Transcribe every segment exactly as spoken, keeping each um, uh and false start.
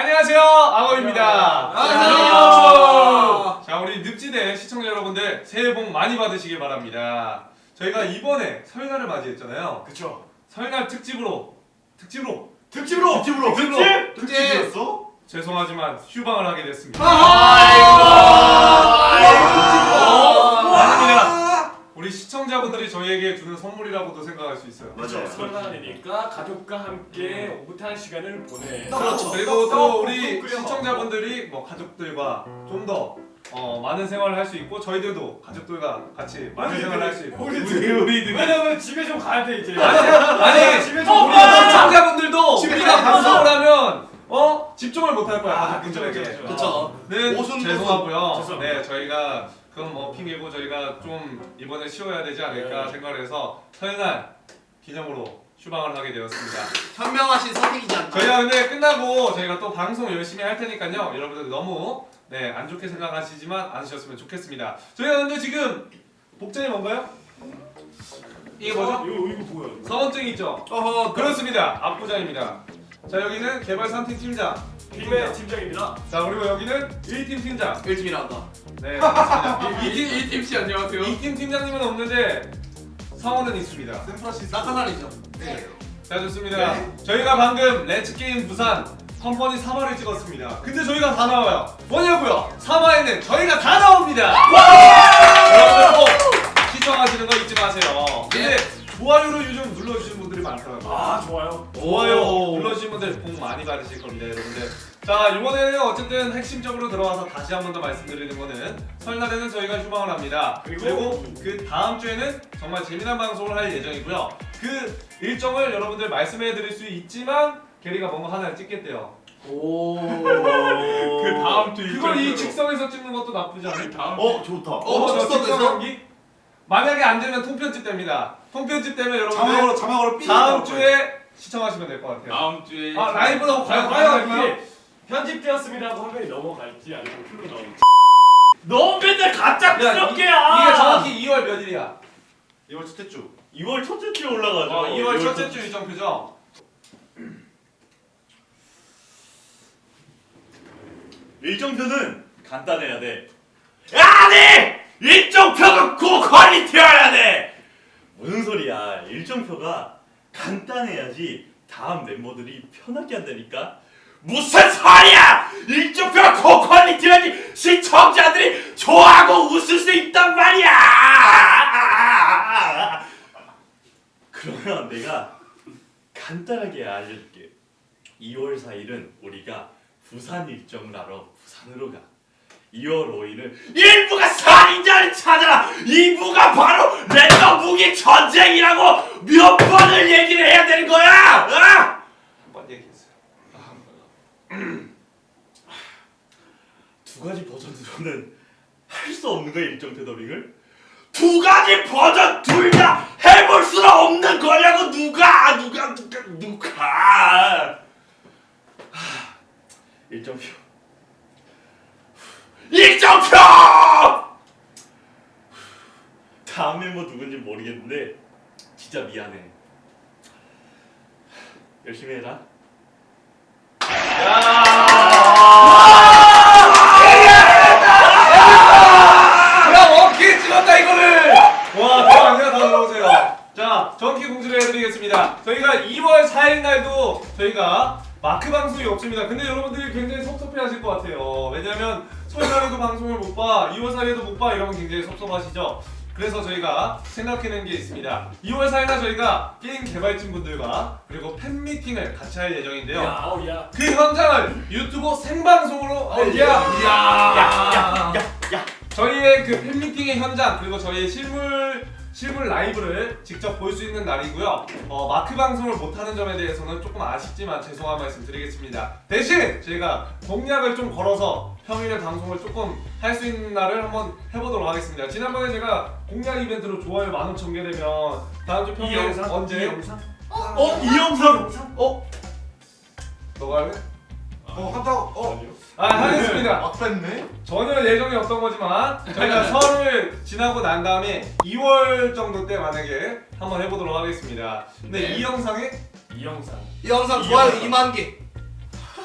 안녕하세요, 악어입니다. 안녕하세요. 자, 우리 늪지대 시청자 여러분들 새해 복 많이 받으시길 바랍니다. 저희가 이번에 설날을 맞이했잖아요. 그쵸. 설날 특집으로 특집으로 특집으로! 특집으로 특집! 특집이었어? 죄송하지만 휴방을 하게 됐습니다. 아이고. 아닙니다. 우리 시청자분들이 저희에게 주는 선물이라고도 생각할 수 있어요. 맞아요. 설날이니까 가족과 함께 오붓한 시간을 보내. 그렇죠. 그리고 또 우리 시청자분들이 뭐 가족들과 좀 더 어, 많은 생활을 할 수 있고 저희들도 가족들과 같이 많은 생활을 할 수 있고 우리들이. 우리들이 왜냐면 집에 좀 가야 돼 이제. 아니 집에 우리 좀 우리 가야 돼. 시청자분들도 집에 우리가 가서. 방송을 하면 어 집중을 못 할 거야 아, 가족분들에게. 그쵸, 그쵸. 그쵸. 네, 오순도순. 죄송하고요. 죄송합니다. 네, 저희가 그건 뭐 핑계고 저희가 좀 이번에 쉬어야 되지 않을까 네. 생각을 해서 설날 기념으로 휴방을 하게 되었습니다. 현명하신 선택이지 않나? 저희가 근데 끝나고 저희가 또 방송 열심히 할 테니까요. 여러분들 너무 네, 안 좋게 생각하시지만 않으셨으면 좋겠습니다. 저희가 근데 지금 복장이 뭔가요? 이게 뭐죠? 이거 이거 뭐야? 서원증이 있죠? 어허, 그렇습니다. 압구장입니다. 자, 여기는 개발 삼 팀 팀장. 팀의 팀장입니다. 자, 그리고 여기는 일 팀 팀장. 일 팀이란다. 네, 그렇습니다. 이 팀, 이 팀 씨 안녕하세요. 이 팀 팀장님은 없는데 성원은 있습니다. 샘프라시 낙하산이죠. 네. 자, 좋습니다. 저희가 방금 렛츠게임 부산 컴퍼니 삼 화를 찍었습니다. 근데 저희가 다 나와요. 뭐냐고요? 삼 화에는 저희가 다 나옵니다. 여러분들 꼭 시청하시는 거 잊지 마세요. 근데 좋아요를 요즘 눌러주시는 분들이 많더라고요. 아 좋아요. 좋아요 오. 눌러주신 분들 복 많이 받으실 겁니다, 여러분들. 자, 이번에는 어쨌든 핵심적으로 들어와서 다시 한 번 더 말씀드리는 거는 설날에는 저희가 휴방을 합니다. 그리고, 그리고 그 다음 주에는 정말 재미난 방송을 할 예정이고요. 그 일정을 여러분들 말씀해 드릴 수 있지만 게리가 뭔가 하나를 찍겠대요. 오. 그 다음 주 그걸 이 직성에서 찍는 것도 나쁘지 않아요. 다음 어, 좋다. 어, 어, 저 직성 직선에서? 연기? 만약에 안 되면 통편집 됩니다. 통편집 되면 여러분들 자막으로 자막으로 삐. 다음 주에 시청하시면 될 것 같아요. 다음 주에 아, 라이브로 과연 과연 과연 과연 이게 편집되었습니다고 화면이 넘어갈지 아니면 풀로 나올지. 너 맨날 가짜스럽게야. 이게 정확히 이월 몇일이야? 이월 첫째 주. 이월 첫째 주에 올라가죠. 어, 이월 첫째 주 일정표죠? 일정표는 간단해야 돼. 아니! 일정표가 고퀄리티여야 돼! 무슨 소리야. 일정표가 간단해야지 다음 멤버들이 편하게 한다니까? 무슨 소리야! 일정표가 고퀄리티여야지 시청자들이 좋아하고 웃을 수 있단 말이야! 그러면 내가 간단하게 알려줄게. 이월 사일은 우리가 부산 일정을 하러 부산으로 가. 이월 오일은 일부가 살인자를 찾아라. 이부가 바로 랜덤 무기 전쟁이라고 몇 번을 얘기를 해야 되는 거야. 어? 한 번 얘기했어요. 두 가지 버전으로는 할 수 없는 거야 일정표 더빙을? 두 가지 버전 둘 다 해볼 수는 없는 거냐고. 누가 누가 누가 누가 하, 일정표 일정표 다음 멤버 누군지 모르겠는데 진짜 미안해. 열심히 해라. 야, 원키 찍었다 이거를! 와, 대박이야. 다 들어오세요. 자, 정키 공지를 해드리겠습니다. 저희가 이월 사일 날도 저희가 마크 방송이 없습니다. 근데 여러분들이 굉장히 섭섭해하실 것 같아요. 왜냐면 설날에도 방송을 못 봐, 이월 사일에도 못 봐 이러면 굉장히 섭섭하시죠. 그래서 저희가 생각해낸 게 있습니다. 이월 사일 날 저희가 게임 개발진 분들과 그리고 팬미팅을 같이 할 예정인데요. 야, 어우 야. 그 현장을 유튜브 생방송으로 어, 야, 야, 야, 야, 야. 저희의 그 팬미팅의 현장 그리고 저희의 실물 실물 라이브를 직접 볼 수 있는 날이고요. 어, 마크 방송을 못하는 점에 대해서는 조금 아쉽지만 죄송한 말씀 드리겠습니다. 대신 저희가 공약을 좀 걸어서 평일에 방송을 조금 할 수 있는 날을 한번 해보도록 하겠습니다. 지난번에 제가 공약 이벤트로 좋아요 만 오천 개 되면 다음 주 평일 언제? 이 영상? 어? 이 영상? 어? 너가 할래? 어, 한다고. 어. 아니요. 아, 하겠습니다. 막 뺐네. 전혀 예정이 없던 거지만 저희가 설을 지나고 난 다음에 이월 정도 때 만약에 한번 해보도록 하겠습니다. 근데 네. 이 영상에 이 영상. 이 영상 좋아요 이만 개.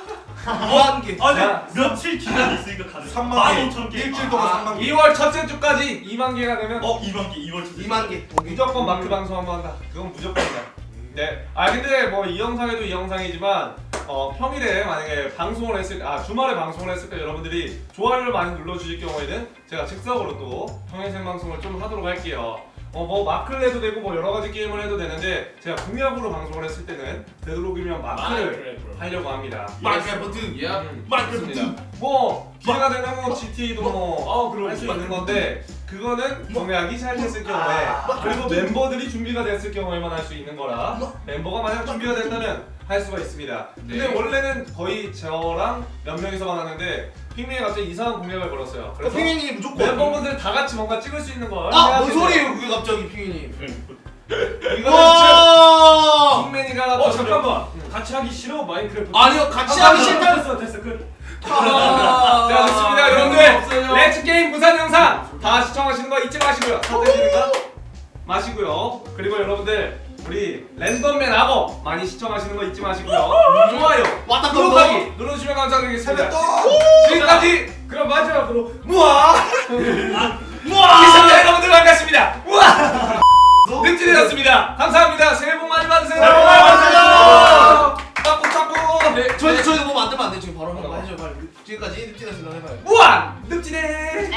이만 개. 아니 자. 며칠 기간 있으니까 가능. 삼만 개. 오천 개. 일주일 동안 삼만 개. 이월 첫째 주까지 이만 개가 되면 어 이만 개 이월 첫. 이만 개. 무조건 마크 방송 한번 한다. 그건 무조건이다. 네. 아 근데 뭐 이 영상에도 이 영상이지만 어 평일에 만약에 방송을 했을 아 주말에 방송을 했을 때 여러분들이 좋아요를 많이 눌러주실 경우에는 제가 즉석으로 또 평일 생방송을 좀 하도록 할게요. 어 뭐 마크를 해도 되고 뭐 여러 가지 게임을 해도 되는데 제가 공약으로 방송을 했을 때는 되도록이면 마크를 하려고 합니다. 마이크래프트. 예. 음, 마이크래프트. 좋습니다. 뭐 기회가 되면 뭐 지티에이도 어, 그럼 뭐할 수 있는 건데 그거는 공약이 잘 됐을 경우에 그리고 멤버들이 준비가 됐을 경우에만 할 수 있는 거라 멤버가 만약 준비가 된다면 할 수가 있습니다. 근데 네. 원래는 거의 저랑 몇 명이서만 하는데 핑민이 갑자기 이상한 공약을 걸었어요. 그래서 핑이님 무조건. 멤버분들 다 같이 뭔가 찍을 수 있는 걸 아, 해야 뭔 되는데 소리예요, 그게 갑자기 핑이님? 이거는 진짜 와. 핑민이가 어 좀- 잠깐만. 음. 같이 하기 싫어 마인크래프트. 아니요, 같이 아, 하기 싫다. 됐어 됐어 끝. 아, 자 좋습니다 그런 거 여러분들 없어요. 렛츠 게임 부산 영상 다 시청하시는 거 잊지 마시고요 사태지는 거 마시고요 그리고 여러분들 우리 랜덤맨 악어 많이 시청하시는 거 잊지 마시고요 좋아요 왔다 구독하기 눌러주시면 감사드리겠습니다 또. 지금까지 그럼 마지막으로 무아 우와. 시청자 여러분들 반갑습니다 우아 늑진이었습니다 감사합니다 새해 복 많이 받으세요 새해 복 많이 받으세요. 빠꾸 빠꾸 네, 저희 저희도 뭐 만들면 안 돼. 지금 바로 한번 해줘요. 빨리. 지금까지 늑진에서 해봐요. 무아 늑진해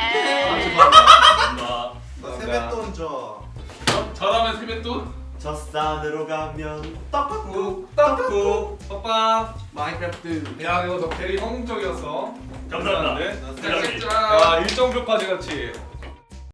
나 세뱃돈 줘. 저라면 세뱃돈? 저 산으로 가면 떡국. 꾹 떡국 빠빠 마인크래프트. 야 이거 너 대리 성공적이었어 감사합니다. 감사한데? 대단히. 자, 야 일정표까지 같이